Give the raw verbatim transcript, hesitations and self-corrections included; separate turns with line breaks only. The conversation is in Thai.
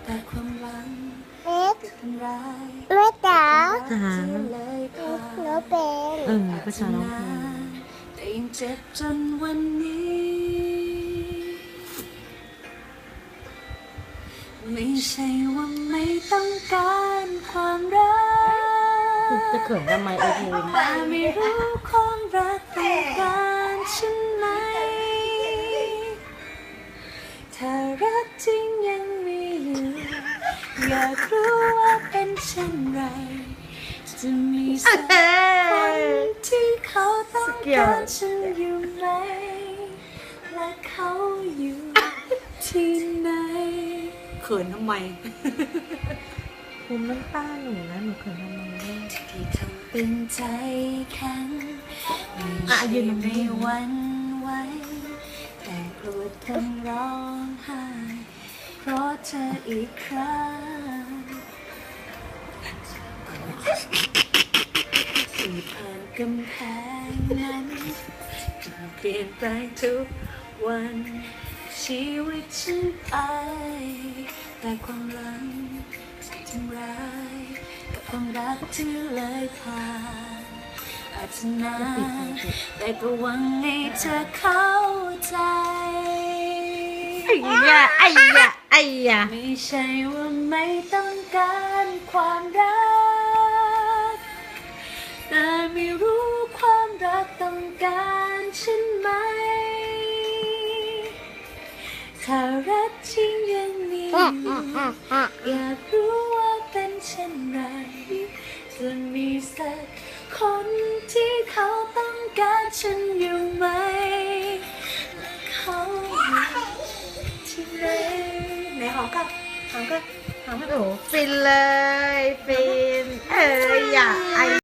แต่ความหวัง
เม็ด
ก็ทำร้าย
เม็ดจ๋า
หา
เลยผ่าน
หนูเป็น
เออภาษาร้องเพลง
แต่ยังเจ็บจนวันนี้ ไม่ใช่ว่าไม่ต้องการความรัก
จะเขินทำไมโอเค
แต่ไม่รู้ความรักต้องการฉันไหม ถ้ารักจริงยังมีอยู่ อยากรู้ว่าเป็นเช่นไร จะมีสักคนที่เขาต้องการฉันอยู่ไหม และเขาอยู่ที่ไหน เขินทำไม
ภูมิน้ำตาหนูนะหนูเขินทำไมเนี่ย
ที่ทำเป็นใจแข็งไม่
อ่ะ
ใช่
ยืนตรงนี้
ไม่หวั่นไหวแต่กลัวทั้งร้องไห้เพราะเธออีกครั้งที่ผ่านกำแพงนั้นมันเปลี่ยนแปลงทุกวันชีวิตฉันไปแต่ความหลังที่ทำร้ายกับความรักที่เลยผ่านอาจจะนานแต่ก็หวังให้เธอเข้าใจ
ไอ้ยะไอ้ยะไอ้ยะ
ไม่ใช่ว่าไม่ต้องการความรัก แต่ไม่รู้ความรักต้องการฉันไหม ถ้ารักจริงยังมีอยู่อยากรู้ว่าเป็นเช่นไร จะมีสักคนที่เขาต้องการฉันอยู่ไหมและเขาอยู่ที่ไหนไหนหอมกันหอมกันหอมกัน
โอ้ฟินเลยฟินเอ้ยอย่าไอ